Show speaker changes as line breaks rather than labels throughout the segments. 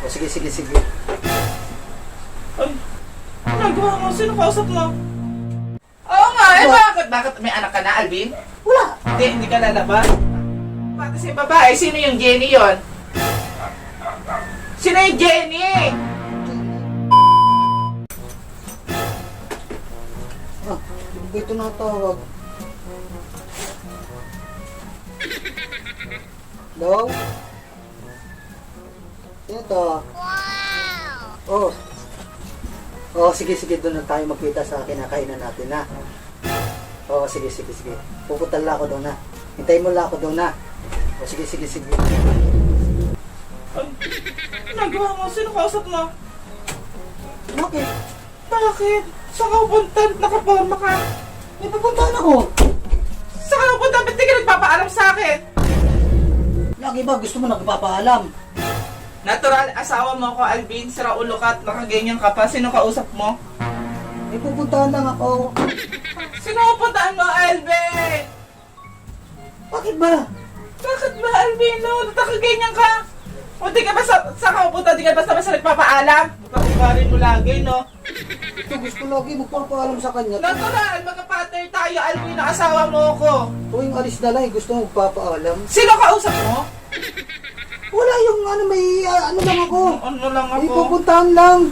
sige, sige, sige.
Ay, nagawa mo? Sino kausap mo? Oo nga, eh bakit? Bakit may anak ka na, Alvin?
Wala.
Hindi ka lalabas? Pati si babae, sino yung Jenny yon? Sino yung Jenny?
Ah, hindi ba ito natawag? Hello? Sino to? Oh. Oh, sige, sige. Doon na tayo magkita sa kinakainan natin, ha? Oh, sige, sige, sige. Pupunta lang ako doon, ha? Hintayin mo lang ako doon, ha? Oh, sige, sige, sige.
Ay, nagawa mo? Sino kausap mo?
Bakit?
Bakit? Saan ka pupunta? Nakaporma ka?
May pupuntahan ako.
Saan ka pupunta? Ba't di ka nagpapaalam sa akin?
Lagi ba gusto mo nagpapaalam?
Natural, asawa mo ako, Alvin. Sira ulo ka at nakaganyan ka pa. Sino kausap mo?
May pupuntahan lang ako.
Sino pupuntaan mo, Alvin?
Bakit ba?
Bakit ba, Alvin? No, nakaganyan ka. O di ka ba sa kapupunta? Di ka basta nagpapaalam? Ugarin mo lagi, no?
Ito gusto lagi magpapaalam sa kanya.
Natural, magka-partner tayo, Alvin, na asawa mo ako.
Tuwing alis na lang, gusto mo magpapaalam.
Sino kausap mo?
Wala yung ano, may ano lang ako.
Ano lang
May
ako?
pupuntahan lang.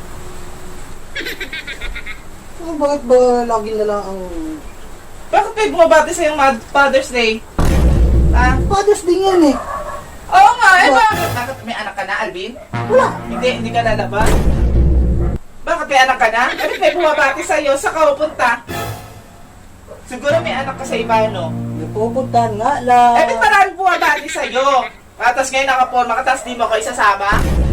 Oh, bakit ba lagi na lang ang...
Bakit kayo bumabati sa yung Father's Day? Ha?
Father's Day yan eh.
Oo nga, eh bakit? Bakit may anak ka na, Alvin?
Wala.
Hindi ka lalabas? Bakit may anak ka na? Bakit may bumabati sa'yo? Saan ka pupunta? Siguro may anak ka sa iba, no?
May pupuntahan nga lang.
Eh, ba't maraming bumabati sa'yo? Tapos ngayon nakaporma ka, tapos di mo ako isasama?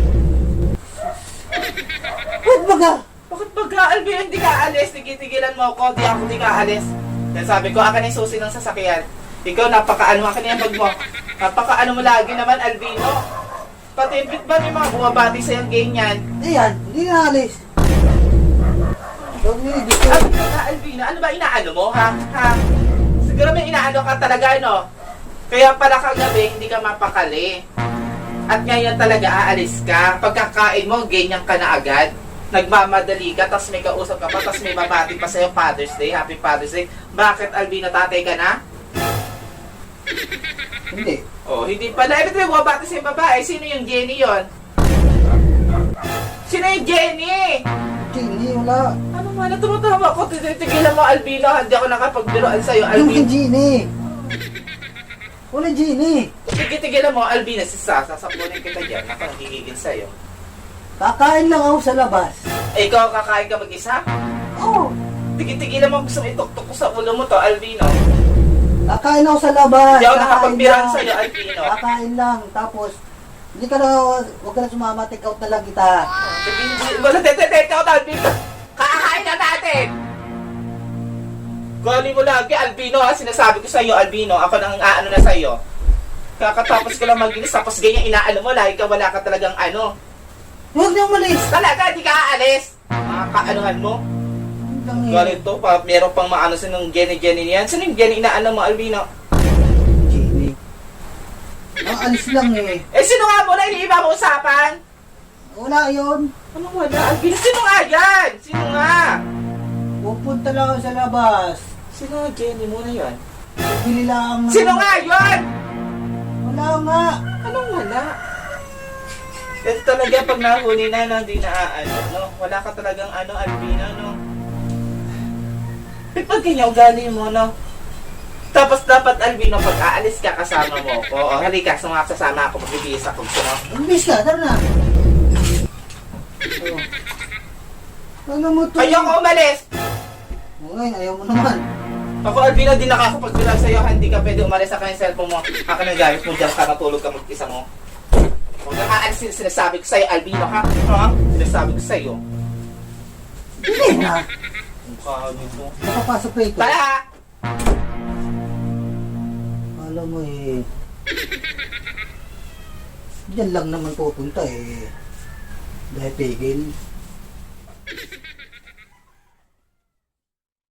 Ba't baga?
Bakit baga, Alvin, hindi ka alis? Tigitigilan mo ako, di ako di ka alis. Kaya sabi ko, akin yung susi ng sasakyan. Ikaw, napaka-ano, akin yung bag mo. Napaka-ano mo lagi naman, Alvino. Patimpit ba may mga bumabati sa'yo ganyan?
Ayan, hindi na alis. Huwag niyo gusto.
Alvino, ano ba inaano mo, ha? Ha? Siguro may inaano ka talaga, no? Kaya pala kagabi, hindi ka mapakali. At ngayon talaga aalis ka. Pagkakain mo, ganyan ka na agad. Nagmamadali ka, tas may kausap ka pa, tas may babati pa sa'yo Father's Day, Happy Father's Day. Bakit, Alvino, tatay ka na?
Hindi.
Oh, hindi pala. Eh, ba't may bumabati sa babae? Sino yung Jenny yon? Sino yung Jenny?
Hindi, wala.
Ano man, tumatawa ko. Titigilan mo, Alvino. Hindi ako nakapagbiroan sa'yo,
Yung
Alvino.
Genie. Wala Genie.
Tigilan mo, Alvina, si Sasa, sapunin kita dyan. Ako, nagigigil sa'yo.
Kakain lang ako sa labas.
Eh, ikaw kakain ka mag-isa?
Oo.
Tigilan mo, gusto mo ituktok ko sa ulo mo to, Alvino.
Kakain ako sa labas.
Hindi ako
Kakain
nakapagbiran
lang.
sa'yo, Alvino.
Kakain lang. Tapos, hindi ka na, huwag ka na sumama. Take out na lang kita.
Wala, take out, Alvino. Kakain na natin! Gali mo lagi, Albino, ha? Sinasabi ko sa'yo, Albino. Ako nang aano na sa'yo. Kakatapos ko lang maginis, tapos ganyan inaano mo, lagi ka wala ka talagang ano.
Huwag na umalis.
Talaga, di ka aalis. Mga kaanuhan mo. Galit to, meron pang maano sa nung Jenny niyan. Sino yung Jenny inaano mo, Albino?
Genie. Ang alis lang eh.
Eh, sino nga mo na iniiba mo usapan?
Wala yun.
Anong wala, Albino? Sino nga yan? Sino nga?
Pupunta lang ako sa labas.
Sino nga Jenny mo na yun?
Bili lang.
Sino nga yun?
Wala nga.
Anong wala? Kasi talaga pag nahuli na, no, hindi na ano, no? Wala ka talagang ano, Albino, no? Pag ganyan, ugali mo, no? Tapos dapat, Albino, pag aalis ka, kasama mo ko. O, halika, sasama ako, magbibihis ako, gusto mo?
Umbis ka, tara na. Oh. Ano mo to?
Ayoko umalis!
Ngayon, ayaw mo naman.
Ako, Albino, di nakakapagbilang sa'yo, hindi ka pwede umalis sa kanyang cellphone mo. Akin ang gamit mo dyan, ka natulog ka mag-isa mo. Huwag kang aalis, sinasabi ko sa'yo, Albino, ha? Ha? Sinasabi ko sa'yo.
Hindi na.
Mukha nito.
Nakapasok pa ito.
Tara, ha?
Alam mo eh. Diyan lang naman pupunta eh. Dahil pigil.